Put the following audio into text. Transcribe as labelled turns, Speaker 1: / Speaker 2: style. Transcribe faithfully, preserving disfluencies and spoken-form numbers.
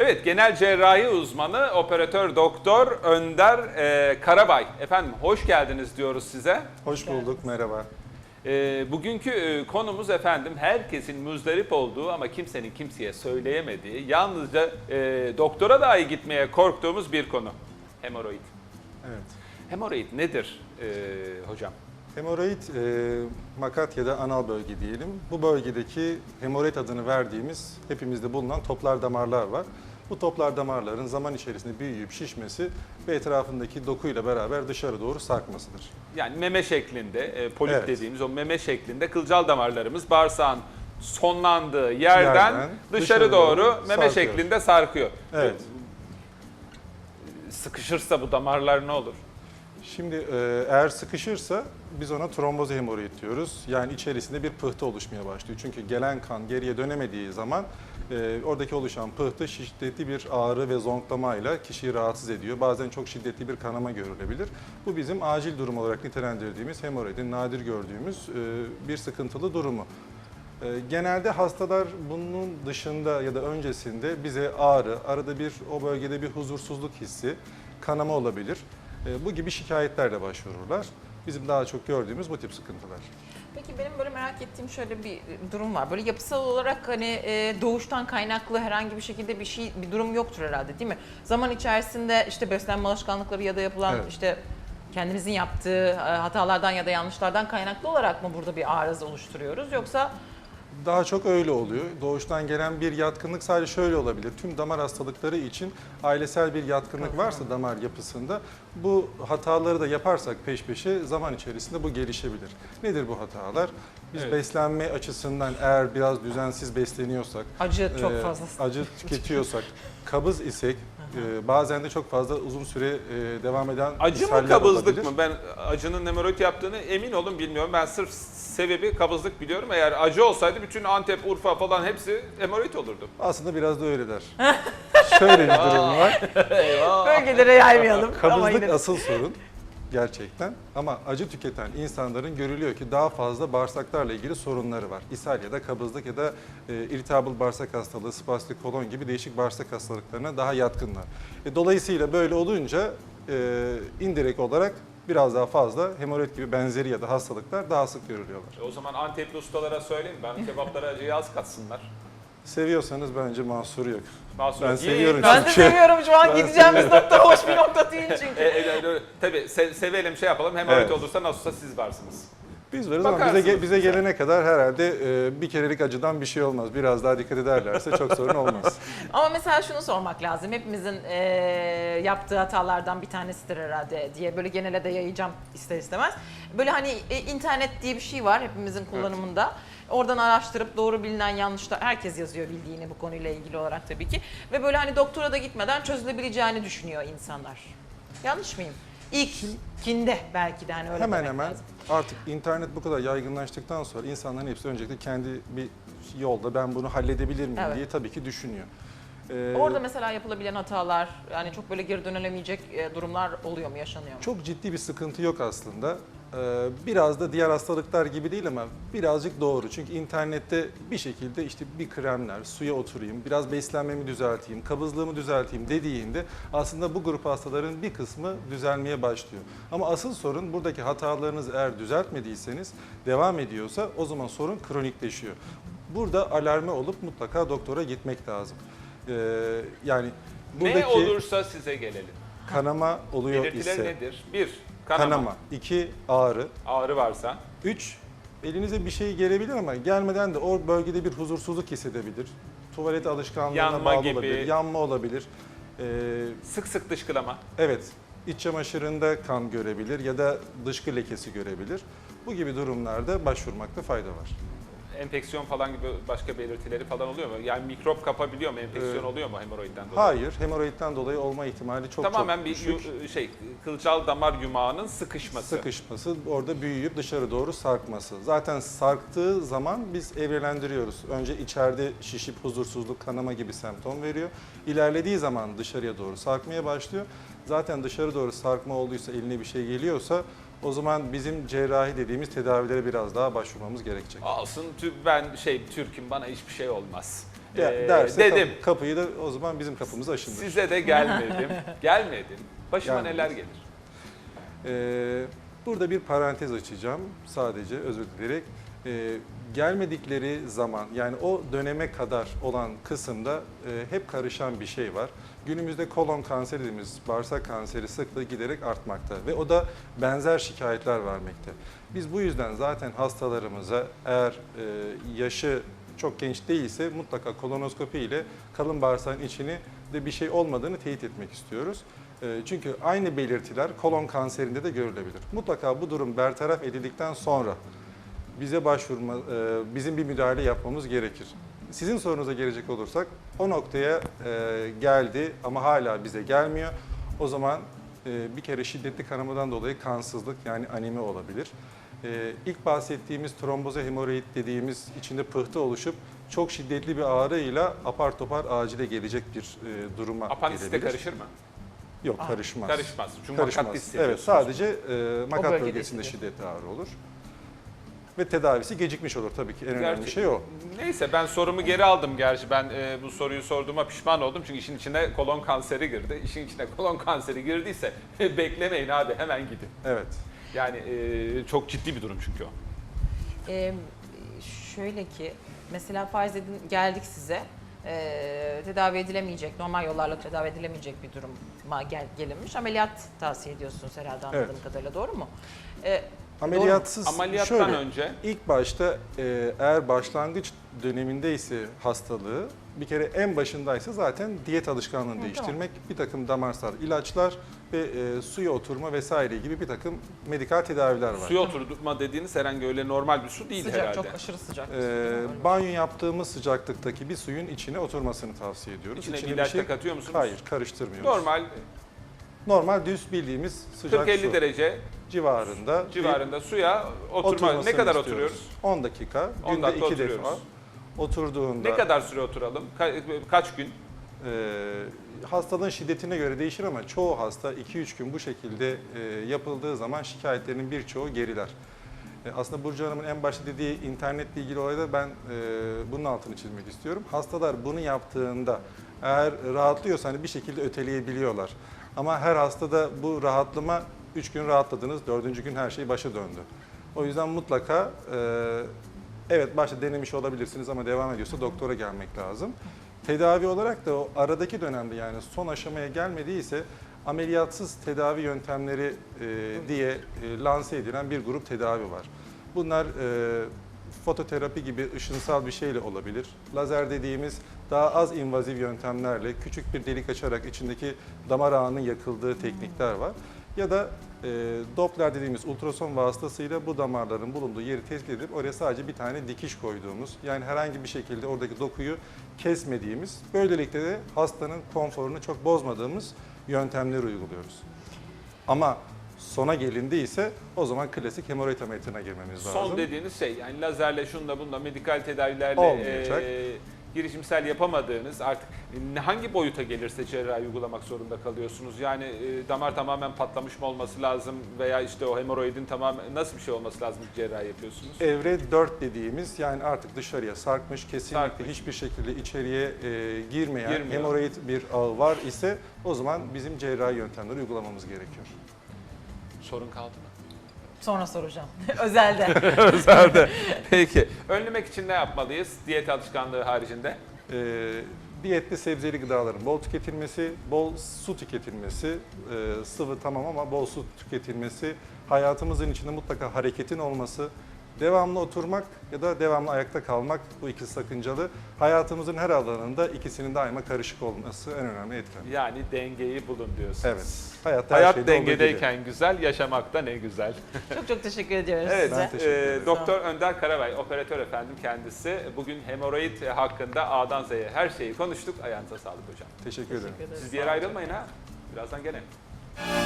Speaker 1: Evet, genel cerrahi uzmanı, operatör doktor Önder e, Karabay. Efendim hoş geldiniz diyoruz size.
Speaker 2: Hoş bulduk, merhaba.
Speaker 1: E, bugünkü e, konumuz efendim herkesin muzdarip olduğu ama kimsenin kimseye söyleyemediği, yalnızca e, doktora dahi gitmeye korktuğumuz bir konu. Hemoroid.
Speaker 2: Evet.
Speaker 1: Hemoroid nedir e, hocam?
Speaker 2: Hemoroid, e, makat ya da anal bölge diyelim. Bu bölgedeki hemoroid adını verdiğimiz hepimizde bulunan toplar damarlar var. Bu toplar damarların zaman içerisinde büyüyüp şişmesi ve etrafındaki dokuyla beraber dışarı doğru sarkmasıdır.
Speaker 1: Yani meme şeklinde, e, polip
Speaker 2: Evet.
Speaker 1: dediğimiz o meme şeklinde kılcal damarlarımız bağırsağın sonlandığı yerden,
Speaker 2: Yerden
Speaker 1: dışarı,
Speaker 2: dışarı
Speaker 1: doğru,
Speaker 2: doğru
Speaker 1: meme
Speaker 2: sarkıyor.
Speaker 1: şeklinde sarkıyor.
Speaker 2: Evet.
Speaker 1: Sıkışırsa bu damarlar ne olur?
Speaker 2: Şimdi e, eğer sıkışırsa biz ona tromboz hemoroid diyoruz. Yani içerisinde bir pıhtı oluşmaya başlıyor. Çünkü gelen kan geriye dönemediği zaman e, oradaki oluşan pıhtı şiddetli bir ağrı ve zonklamayla kişiyi rahatsız ediyor. Bazen çok şiddetli bir kanama görülebilir. Bu bizim acil durum olarak nitelendirdiğimiz hemoroidin nadir gördüğümüz e, bir sıkıntılı durumu. E, Genelde hastalar bunun dışında ya da öncesinde bize ağrı, arada bir o bölgede bir huzursuzluk hissi, kanama olabilir. Bu gibi şikayetlerle başvururlar. Bizim daha çok gördüğümüz bu tip sıkıntılar.
Speaker 3: Peki benim böyle merak ettiğim şöyle bir durum var. Böyle yapısal olarak hani e, doğuştan kaynaklı herhangi bir şekilde bir şey bir durum yoktur herhalde, değil mi? Zaman içerisinde işte beslenme alışkanlıkları ya da yapılan
Speaker 2: Evet.
Speaker 3: işte kendimizin yaptığı e, hatalardan ya da yanlışlardan kaynaklı olarak mı burada bir arıza oluşturuyoruz, yoksa
Speaker 2: Daha çok öyle oluyor. Doğuştan gelen bir yatkınlık sadece şöyle olabilir. Tüm damar hastalıkları için ailesel bir yatkınlık varsa damar yapısında bu hataları da yaparsak peş peşe zaman içerisinde bu gelişebilir. Nedir bu hatalar? Biz
Speaker 1: Evet.
Speaker 2: beslenme açısından eğer biraz düzensiz besleniyorsak,
Speaker 3: acı çok
Speaker 2: e,
Speaker 3: fazla?
Speaker 2: acı tüketiyorsak, kabız isek, e, bazen de çok fazla uzun süre e, devam eden
Speaker 1: Acı mı
Speaker 2: ishaller
Speaker 1: kabızlık
Speaker 2: olabilir.
Speaker 1: mı? Ben acının hemoroid yaptığını emin olun bilmiyorum. Ben sırf sebebi kabızlık biliyorum. Eğer acı olsaydı bütün Antep, Urfa falan hepsi hemoroid olurdu.
Speaker 2: Aslında biraz da öyleler. Şöyle bir durum var.
Speaker 3: Bölgelere yaymayalım. ama
Speaker 2: Kabızlık
Speaker 3: yine-
Speaker 2: asıl sorun gerçekten, ama acı tüketen insanların görülüyor ki daha fazla bağırsaklarla ilgili sorunları var. İshal ya da kabızlık ya da e, irritable bağırsak hastalığı, spastik kolon gibi değişik bağırsak hastalıklarına daha yatkınlar. E, dolayısıyla böyle olunca e, indirekt olarak biraz daha fazla hemoroid gibi benzeri ya da hastalıklar daha sık görülüyorlar.
Speaker 1: E o zaman Antepli ustalara söyleyin. Ben kebaplara acıyı az katsınlar.
Speaker 2: Seviyorsanız bence mahsuru yok.
Speaker 1: Mahsur
Speaker 2: Ben
Speaker 1: yok.
Speaker 2: seviyorum
Speaker 3: Ben de
Speaker 2: çünkü.
Speaker 3: seviyorum, şu an
Speaker 2: Ben
Speaker 3: gideceğimiz nokta hoş bir nokta değil çünkü.
Speaker 1: E, e, e, tabii se- sevelim şey yapalım. Hemoroid
Speaker 2: Evet.
Speaker 1: olursa nasılsa siz varsınız.
Speaker 2: Biz varız ama bize,
Speaker 1: Bakarsınız
Speaker 2: ge- bize
Speaker 1: bize.
Speaker 2: gelene kadar herhalde e, bir kerelik acıdan bir şey olmaz. Biraz daha dikkat ederlerse çok sorun olmaz.
Speaker 3: Ama mesela şunu sormak lazım. Hepimizin eee, yaptığı hatalardan bir tanesidir herhalde diye böyle genele de yayacağım ister istemez. Böyle hani e, internet diye bir şey var hepimizin kullanımında. Oradan araştırıp doğru bilinen yanlışlar, herkes yazıyor bildiğini bu konuyla ilgili olarak tabii ki. Ve böyle hani doktora da gitmeden çözülebileceğini düşünüyor insanlar. Yanlış mıyım? İlkinde belki de hani öyle
Speaker 2: Hemen
Speaker 3: demek
Speaker 2: hemen
Speaker 3: lazım.
Speaker 2: artık internet bu kadar yaygınlaştıktan sonra insanların hepsi öncelikle kendi bir yolda ben bunu halledebilir miyim
Speaker 3: Evet.
Speaker 2: diye tabii ki düşünüyor. Ee,
Speaker 3: Orada mesela yapılabilen hatalar, yani çok böyle geri dönülemeyecek e, durumlar oluyor mu, yaşanıyor mu?
Speaker 2: Çok ciddi bir sıkıntı yok aslında. Ee, biraz da diğer hastalıklar gibi değil ama birazcık doğru. Çünkü internette bir şekilde işte bir kremler, suya oturayım, biraz beslenmemi düzelteyim, kabızlığımı düzelteyim dediğinde aslında bu grup hastaların bir kısmı düzelmeye başlıyor. Ama asıl sorun buradaki hatalarınızı eğer düzeltmediyseniz, devam ediyorsa o zaman sorun kronikleşiyor. Burada alarme olup mutlaka doktora gitmek lazım. Ee, yani buradaki
Speaker 1: Ne olursa size gelelim.
Speaker 2: kanama oluyor
Speaker 1: Belirtiler
Speaker 2: ise,
Speaker 1: nedir? Bir, kanama.
Speaker 2: kanama. İki, ağrı.
Speaker 1: Ağrı varsa.
Speaker 2: Üç, elinize bir şey gelebilir ama gelmeden de o bölgede bir huzursuzluk hissedebilir. Tuvalet alışkanlığına
Speaker 1: Yanma
Speaker 2: bağlı
Speaker 1: gibi.
Speaker 2: olabilir, yanma olabilir. Ee,
Speaker 1: Sık sık dışkılama.
Speaker 2: evet, iç çamaşırında kan görebilir ya da dışkı lekesi görebilir. Bu gibi durumlarda başvurmakta fayda var.
Speaker 1: Enfeksiyon falan gibi başka belirtileri falan oluyor mu? Yani mikrop kapabiliyor mu? Enfeksiyon
Speaker 2: Ee,
Speaker 1: oluyor mu hemoroidden dolayı?
Speaker 2: Hayır, hemoroidden dolayı olma ihtimali çok
Speaker 1: Tamamen
Speaker 2: çok
Speaker 1: bir
Speaker 2: düşük.
Speaker 1: yu- şey kılcal damar yumağının sıkışması.
Speaker 2: Sıkışması, orada büyüyüp dışarı doğru sarkması. Zaten sarktığı zaman biz evrelendiriyoruz. Önce içeride şişip huzursuzluk, kanama gibi semptom veriyor. İlerlediği zaman dışarıya doğru sarkmaya başlıyor. Zaten dışarı doğru sarkma olduysa, eline bir şey geliyorsa o zaman bizim cerrahi dediğimiz tedavilere biraz daha başvurmamız gerekecek.
Speaker 1: Olsun tü- ben şey Türk'üm, bana hiçbir şey olmaz.
Speaker 2: Ya,
Speaker 1: Ee,
Speaker 2: derse
Speaker 1: dedim.
Speaker 2: kap- kapıyı da o zaman bizim kapımız aşındır.
Speaker 1: Size de gelmedim. Gelmedim. Başıma
Speaker 2: Gelmediniz.
Speaker 1: neler gelir?
Speaker 2: Ee, burada bir parantez açacağım sadece özür dileyerek. Ee, gelmedikleri zaman yani o döneme kadar olan kısımda e, hep karışan bir şey var. Günümüzde kolon kanseri dediğimiz bağırsak kanseri sıklığı giderek artmakta ve o da benzer şikayetler vermekte. Biz bu yüzden zaten hastalarımıza eğer e, yaşı çok genç değilse mutlaka kolonoskopi ile kalın bağırsağın içini de bir şey olmadığını teyit etmek istiyoruz. E, Çünkü aynı belirtiler kolon kanserinde de görülebilir. Mutlaka bu durum bertaraf edildikten sonra bize başvurma, e, bizim bir müdahale yapmamız gerekir. Sizin sorunuza gelecek olursak o noktaya e, geldi ama hala bize gelmiyor. O zaman e, bir kere şiddetli kanamadan dolayı kansızlık yani anemi olabilir. E, ilk bahsettiğimiz tromboze hemoroid dediğimiz içinde pıhtı oluşup çok şiddetli bir ağrıyla apar topar acile gelecek bir e, duruma
Speaker 1: Apandiste
Speaker 2: gelebilir.
Speaker 1: karışır mı?
Speaker 2: Yok
Speaker 3: Aa,
Speaker 2: karışmaz.
Speaker 1: Karışmaz. Çünkü
Speaker 2: Karışmaz.
Speaker 1: makat
Speaker 2: Evet
Speaker 1: hissediyorsunuz.
Speaker 2: sadece e, makat
Speaker 3: bölgede
Speaker 2: bölgesinde
Speaker 3: hissediyor.
Speaker 2: şiddetli ağrı olur. Ve tedavisi gecikmiş olur tabii ki en önemli
Speaker 1: Gerçi-
Speaker 2: şey o.
Speaker 1: Neyse ben sorumu geri aldım gerçi. Ben e, bu soruyu sorduğuma pişman oldum. Çünkü işin içine kolon kanseri girdi. İşin içine kolon kanseri girdiyse beklemeyin abi hemen gidin.
Speaker 2: Evet.
Speaker 1: Yani e, çok ciddi bir durum çünkü o.
Speaker 3: Ee, şöyle ki mesela farz edin geldik size ee, tedavi edilemeyecek, normal yollarla tedavi edilemeyecek bir duruma gel, gelinmiş. Ameliyat tavsiye ediyorsunuz herhalde anladığım
Speaker 2: Evet.
Speaker 3: kadarıyla, doğru mu? Ee,
Speaker 2: Ameliyatsız
Speaker 1: Ameliyattan
Speaker 2: şöyle,
Speaker 1: önce
Speaker 2: ilk başta e, eğer başlangıç dönemindeyse hastalığı bir kere en başındaysa zaten diyet alışkanlığını
Speaker 3: Hı,
Speaker 2: değiştirmek, bir takım damarsal ilaçlar ve e, suya oturma vesaire gibi bir takım medikal tedaviler var.
Speaker 1: suya oturma dediğiniz herhangi öyle normal bir su değil
Speaker 3: sıcak,
Speaker 1: herhalde.
Speaker 3: çok aşırı sıcak.
Speaker 2: E, banyo yaptığımız sıcaklıktaki bir suyun içine oturmasını tavsiye ediyoruz.
Speaker 1: İçine
Speaker 2: İçine
Speaker 1: bir ilaç da katıyor musunuz?
Speaker 2: Hayır, karıştırmıyoruz.
Speaker 1: Normal
Speaker 2: Normal düz bildiğimiz sıcak
Speaker 1: kırk elli
Speaker 2: su
Speaker 1: derece
Speaker 2: civarında. bir
Speaker 1: civarında suya oturma.
Speaker 2: oturmasını
Speaker 1: Ne kadar
Speaker 2: istiyoruz.
Speaker 1: oturuyoruz?
Speaker 2: on dakika,
Speaker 1: on
Speaker 2: günde
Speaker 1: dakika
Speaker 2: iki defa.
Speaker 1: oturuyoruz.
Speaker 2: Oturduğunda
Speaker 1: Ne kadar süre oturalım? Ka- kaç gün?
Speaker 2: Ee, hastalığın şiddetine göre değişir ama çoğu hasta iki üç gün bu şekilde e, yapıldığı zaman şikayetlerinin birçoğu geriler. E, aslında Burcu Hanım'ın en başta dediği internetle ilgili olayda ben e, bunun altını çizmek istiyorum. Hastalar bunu yaptığında eğer rahatlıyorsa hani bir şekilde öteleyebiliyorlar. Ama her hastada bu rahatlama üç gün rahatladınız, dördüncü gün her şey başa döndü. O yüzden mutlaka e, evet başta denemiş olabilirsiniz ama devam ediyorsa doktora gelmek lazım. Tedavi olarak da o aradaki dönemde yani son aşamaya gelmediyse ameliyatsız tedavi yöntemleri e, diye e, lanse edilen bir grup tedavi var. Bunlar e, fototerapi gibi ışınsal bir şeyle olabilir. Lazer dediğimiz daha az invaziv yöntemlerle küçük bir delik açarak içindeki damar ağının yakıldığı teknikler var. Ya da e, Doppler dediğimiz ultrason vasıtasıyla bu damarların bulunduğu yeri tespit edip oraya sadece bir tane dikiş koyduğumuz, yani herhangi bir şekilde oradaki dokuyu kesmediğimiz, böylelikle de hastanın konforunu çok bozmadığımız yöntemleri uyguluyoruz. Ama sona gelindiyse o zaman klasik hemoroid ameliyatına girmemiz lazım.
Speaker 1: Son dediğiniz şey yani lazerle şunla bunla medikal tedavilerle
Speaker 2: Olmayacak.
Speaker 1: e, girişimsel yapamadığınız artık hangi boyuta gelirse cerrahi uygulamak zorunda kalıyorsunuz. Yani e, damar tamamen patlamış mı olması lazım veya işte o hemoroidin tamamen nasıl bir şey olması lazım ki cerrahi yapıyorsunuz?
Speaker 2: Evre dört dediğimiz yani artık dışarıya sarkmış, kesinlikle
Speaker 1: Sarkmış.
Speaker 2: hiçbir şekilde içeriye e, girmeyen
Speaker 1: Girmiyor.
Speaker 2: hemoroid bir ağı var ise o zaman bizim cerrahi yöntemleri uygulamamız gerekiyor.
Speaker 1: Sorun kaldı mı?
Speaker 3: Sonra soracağım. Özelde.
Speaker 1: Özelde. Peki. Önlemek için ne yapmalıyız diyet alışkanlığı haricinde?
Speaker 2: E, diyette sebzeli gıdaların bol tüketilmesi, bol su tüketilmesi, e, sıvı tamam ama bol su tüketilmesi, hayatımızın içinde mutlaka hareketin olması, devamlı oturmak ya da devamlı ayakta kalmak, bu ikisi sakıncalı. Hayatımızın her alanında ikisinin daima karışık olması en önemli etken.
Speaker 1: Yani dengeyi bulun diyorsunuz.
Speaker 2: Evet. Hayatta
Speaker 1: Hayat
Speaker 2: her şeyde olduğu gibi.
Speaker 1: dengedeyken güzel, yaşamakta ne güzel.
Speaker 3: Çok çok teşekkür ediyoruz
Speaker 1: Evet,
Speaker 3: size.
Speaker 2: Ben teşekkür
Speaker 1: e,
Speaker 2: ederim.
Speaker 1: Doktor Önder Karabay, operatör efendim kendisi. Bugün hemoroid hakkında A'dan Z'ye her şeyi konuştuk. Ayağınıza sağlık hocam.
Speaker 2: Teşekkür ederim.
Speaker 3: Teşekkür ederiz.
Speaker 1: Siz bir yere ayrılmayın ha. Birazdan gene.